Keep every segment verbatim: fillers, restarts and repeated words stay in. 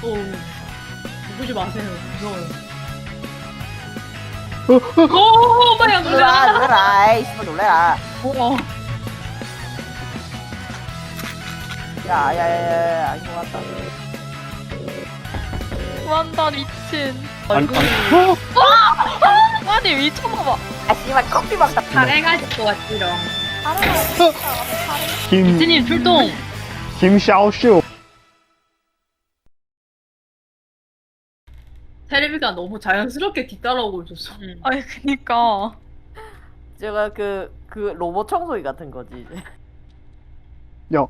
오, 보지 마세요. 무서워요. 어, 어, 오, 마야 놀라 놀라. 놀라 아이 씨발 놀래라. 어. 야야야야 아닌 것 같다. 완다 미친. 아니, 아니, 아니 미쳤나봐. 아 씨발 커피 막다. 잘해가지고 것 같지롱. 김, 이트님 출동. 김샤오쇼. 테레비가 너무 자연스럽게 뒤따라오고 있었어. 응. 아니 그니까. 제가 그 그 로봇 청소기 같은 거지 이제. 야.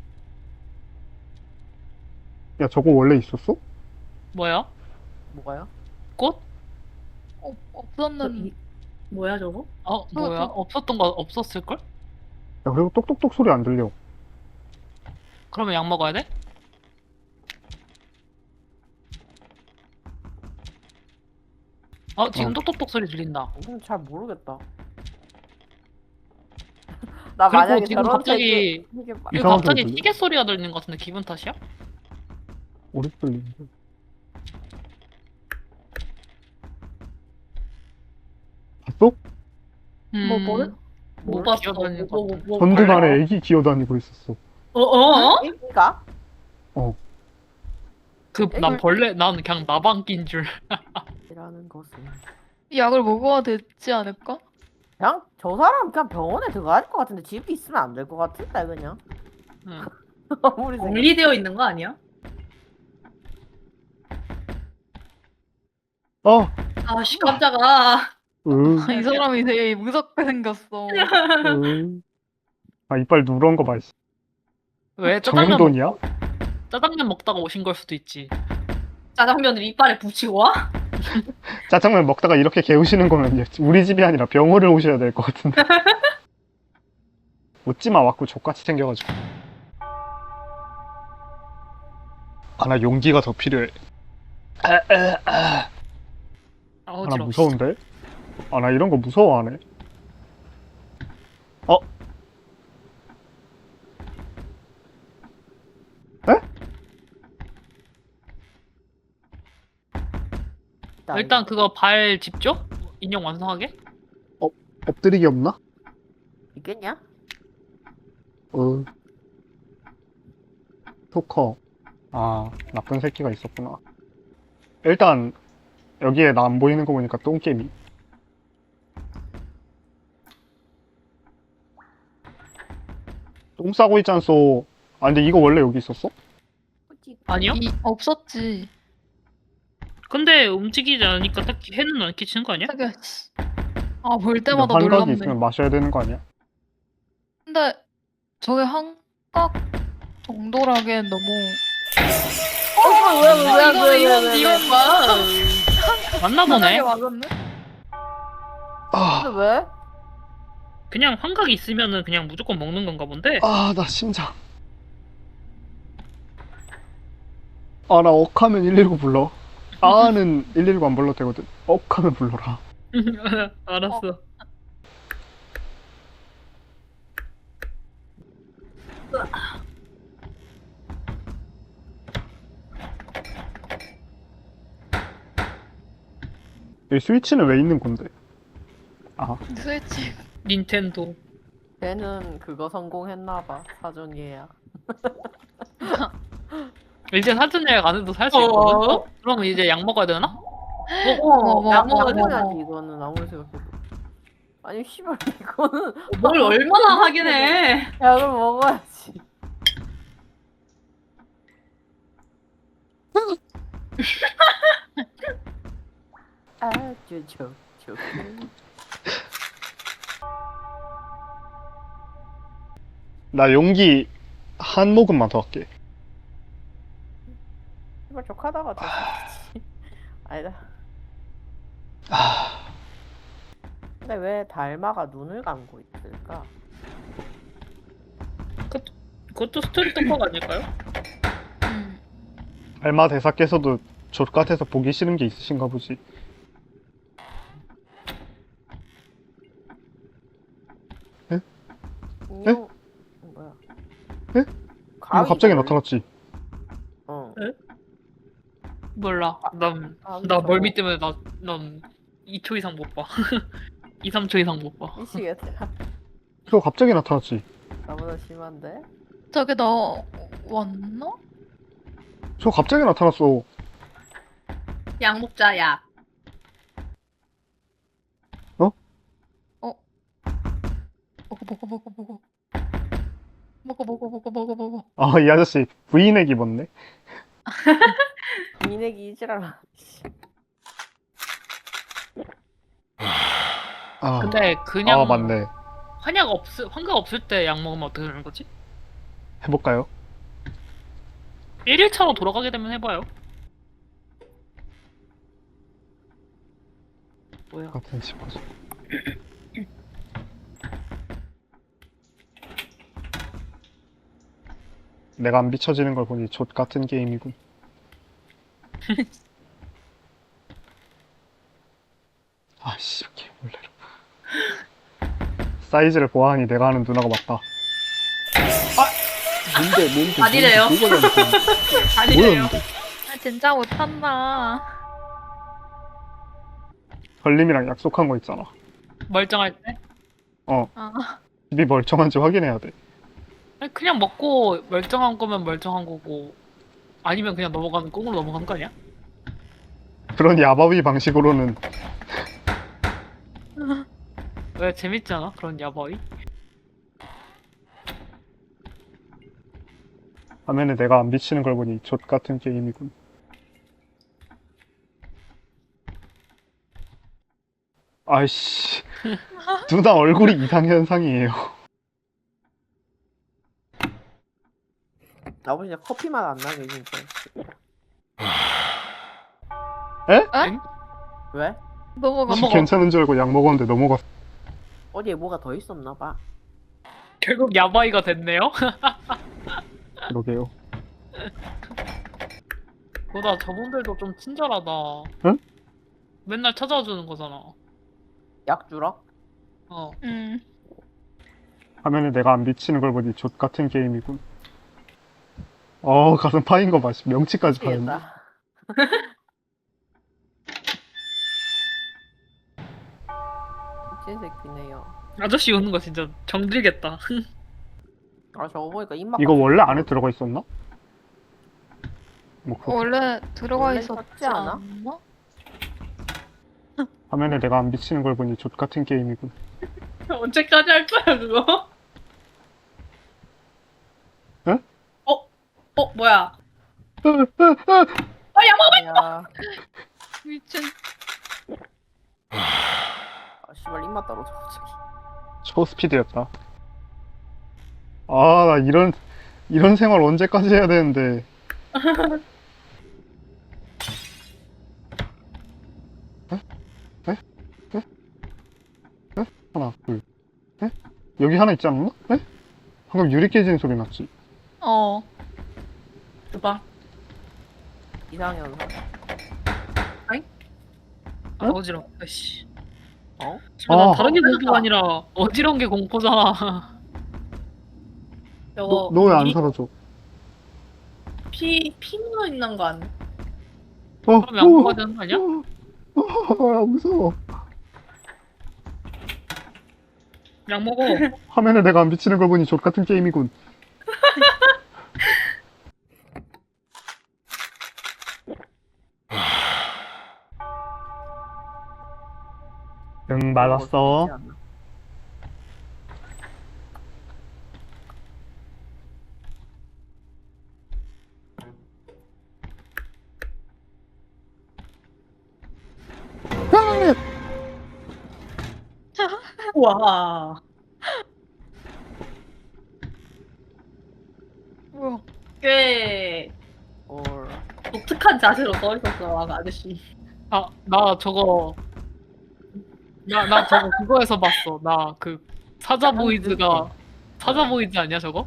야, 저거 원래 있었어? 뭐야? 뭐가요? 꽃? 어, 없었는. 이- 뭐야 저거? 어 뭐야? 없었던 거 없었을 걸? 야, 그리고 똑똑똑 소리 안 들려. 그러면 약 먹어야 돼? 어 지금 어. 똑똑똑 소리 들린다. 이건 잘 모르겠다. 나 그리고 만약에 지금 저런 갑자기- 되게 되게 막- 이거 이상하게 갑자기 들려? 시계 소리가 들리는 것 같은데 기분 탓이야? 오래 들리는데. 봤어? 뭐, 뭐를? 음, 못 뭘 봤어. 기어다니는 뭐, 것 뭐, 같아. 뭐, 전등 발라? 안에 애기 기어다니고 있었어. 어, 어? 어? 애기가? 그 난 벌레 난 그냥 나방낀 줄. 이라는 것은 약을 먹어야 되지 않을까? 그냥 저 사람 그냥 병원에 들어가야 될 것 같은데 집에 있으면 안 될 것 같은데 그냥. 응. 아무리 생각. 분리되어 있는 거 아니야? 어! 아씨 깜짝아. 으, 이 사람이 되게 무섭게 생겼어. 으. 아, 이빨 누런 거 봐, 씨. 왜 짜장면 먹, 정돈이야? 짜장면 먹다가 오신 걸 수도 있지. 짜장면을 이빨에 붙이고 와? 짜장면 먹다가 이렇게 개우시는 거면 우리 집이 아니라 병원을 오셔야 될 것 같은데. 웃지마, 왔고 족같이 생겨가지고. 아, 나 용기가 더 필요해. 아, 아, 아. 아 아, 나 어지러워. 무서운데? 아, 나 이런 거 무서워하네. 어? 에? 일단 그거 발 집죠? 인형 완성하게? 엎드리기 없나? 있겠냐? 어. 토커. 아, 나쁜 새끼가 있었구나. 일단, 여기에 나 안 보이는 거 보니까 똥개미. 똥 싸고 있잖소. 아, 근데 이거 원래 여기 있었어? 아니요? 이, 없었지. 근데 움직이지 않으니까 딱히 해는 안 끼치는 거 아니야? 되게 씨. 아, 볼 근데 때마다 환각이 놀랍네. 있으면 마셔야 되는 거 아니야? 근데 저게 한각 정도라기엔 너무 어, 왜, 왜, 왜, 이건 왜, 이건 왜, 왜, 이건 봐. 맞나 보네. 맞았네. 아, 근데 왜? 그냥 환각이 있으면은 그냥 무조건 먹는 건가 본데. 아, 나 심장. 아, 나 억하면 일일구 불러. 아는 일일구 안 불러도 되거든. 억하면 불러라. 알았어. 이 스위치는 왜 있는 건데? 아, 스위치. 닌텐도. 걔는 그거 성공했나봐 사전 예약. 이제 사전 예약 안 해도 살 수 어. 있거든. 어? 그럼 이제 약 먹어야 되나? 어, 어머, 약 어머, 먹어야 돼. 어머. 양보해야지 이거는 아무리 생각해도. 아니 씨발 이거는 뭘 얼마나 하긴 해. 약을 먹어야지. 아주 좋 좋. 나 용기 한 모금만 더 할게. 씨발 족하다가 됐지. 아니다. 아, 근데 왜 달마가 눈을 감고 있을까? 그것도 스토리 떡밥 아닐까요? 음. 알마 대사께서도 족같아서 보기 싫은 게 있으신가 보지. 인형 뭐야? 에? 이거 갑자기 나타났지. 어. 에? 몰라. 난, 아, 나 저거 멀미 때문에 나, 난 이 초 이상 못 봐. 이, 삼 초 이상 못 봐. 미치겠다. 저 갑자기 나타났지. 나보다 심한데? 저게 나 왔나? 저 갑자기 나타났어. 약 먹자 약. 먹어 먹어 먹어 먹어. 먹어 먹어 먹어 먹어 먹어. 아, 이 아저씨 브이넥 입었네. 미내기 이지랄. 아, 근데 그냥 아 맞네. 환약 없을, 환각 없을 때 약 먹으면 어떻게 되는 거지? 해볼까요? 일 일차로 돌아가게 되면 해봐요. 뭐야? 같은 싶어서. 내가 안 비춰지는 걸 보니 족 같은 게임이군. 아씨, 이렇게 몰래로. 사이즈를 보아하니 내가 아는 누나가 맞다. 아! 뭔데, 뭔데, 아니래요. 뭔데, 뭐가 잘못된 아니래요. 뭐였는데? 아 진짜 못한다. 걸림이랑 약속한 거 있잖아. 멀쩡할 때? 아 입이 멀쩡한지 확인해야 돼. 아니, 그냥 먹고 멀쩡한 거면 멀쩡한 거고 아니면 그냥 넘어가는 꽁으로 넘어가는 거 아니야? 그런 야바위 방식으로는 왜 재밌지 않아? 그런 야바이? 화면에 내가 안 비치는 걸 보니 족 같은 게임이군. 아이씨, 누나 얼굴이 이상현상이에요. 나보다 진짜 커피 맛 안 나게 진짜. 엥? 왜? 넘어가. 넘어가. 괜찮은 줄 알고 약 먹었는데 넘어갔어. 어디에 뭐가 더 있었나 봐. 결국 야바이가 됐네요? 그러게요. 보다 저분들도 좀 친절하다. 응? 맨날 찾아와 주는 거잖아. 약 주러? 어. 음. 화면에 내가 안 비치는 걸 보니 족 같은 게임이군. 어, 가슴 파인 거 봐. 명치까지 파였네. 미치겠다. 미친 새끼네요. 아저씨 오는 거 진짜 정들겠다. 아 저거 보니까 입맛. 이거 원래 안에 들어가 있었나? 뭐 그렇게. 원래 들어가 원래 있었지 샀지 않아? 않나? 화면에 내가 안 비치는 걸 보니 족 같은 게임이군. 언제까지 할 거야 그거? 응? 어? 어 뭐야? 으, 으, 으. 아 약 먹어! 야, 미친. 아 씨발 입맛 떨어져 갑자기. 초스피드였다. 아, 나 이런 이런 생활 언제까지 해야 되는데. 에? 에? 에? 에? 하나, 둘, 에? 여기 하나 있지 않았나? 에? 방금 유리 깨지는 소리 났지. 어. 줘봐. 이상현상. 아, 어지러워. 아이씨. 어? 난 아. 다른 게 공포가 아니라 어지러운 게 공포잖아. 저거 너 왜 안 이- 사라져? 피, 피 묻어 있는 거 아니야? 어, 그럼 약 먹어야 되는 거 아니야? 어, 어, 무서워. 약 먹어. 화면에 내가 안 비치는 걸 보니 족 같은 게임이군. 응, 맞았어. 우와. 뭐야? 꽤 올. 독특한 자세로 서 있었어 아, 아저씨. 아, 나 저거 나, 나 저거 그거에서 봤어. 나 그 사자 보이즈가 사자 보이즈 아니야 저거?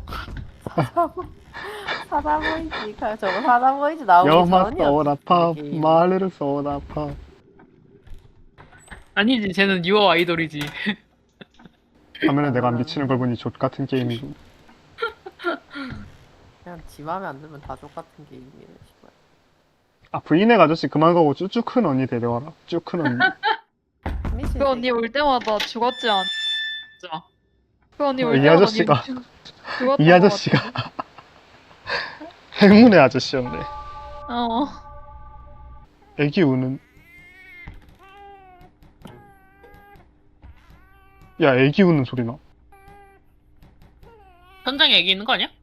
사다 보이지. 가- 저거 사다 보이지 나오기 여마 전이었어. 쏘라파 게임. 마르르 쏘라파. 아니지, 쟤는 유어 아이돌이지. 화면에 내가 안 비치는 걸 보니 족 같은 게임이군. 그냥 지 맘에 안 들면 다 족같은 게임이네 씨발. 아 브이넥 아저씨 그만 가고 쭈쭈 큰 언니 데려와라. 쭈 큰 언니. 그 언니 올 때마다 죽었지 않? 진짜. 그 언니 어, 올 이 때마다 아저씨가- 니 죽었던 이 것 아저씨가 행운의 아저씨였네. 같아. 어. 애기 우는. 야 애기 우는 소리 나. 현장에 애기 있는 거 아니야?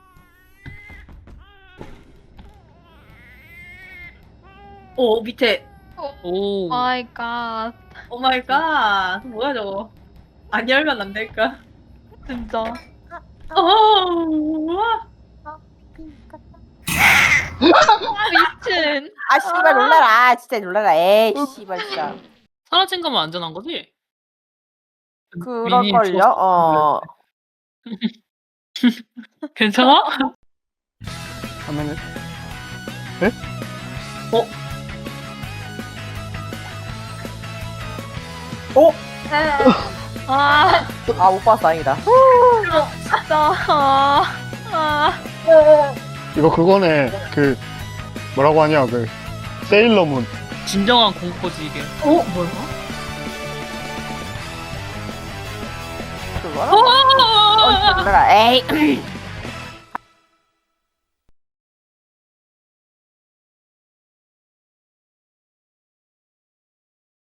오 밑에. 오. 마이 갓. 오 마이 갓. 뭐야 저거. 안 열면 안 될까? 진짜. 어. 우와. 미친. 아 씨발 놀라라. 아, 진짜 놀라라. 에이 씨발 진짜. 사라진 거면 안전한 거지? 그럴걸요? 죽었어. 어. 괜찮아? 화면에 아, 아 못 봤어 다행이다. 진짜. 아, 아. 이거 그거네. 그 뭐라고 하냐 그 세일러문. 진정한 공포지 이게. 어 뭐야? 그거라? 어, 진짜 놀라라. 에이.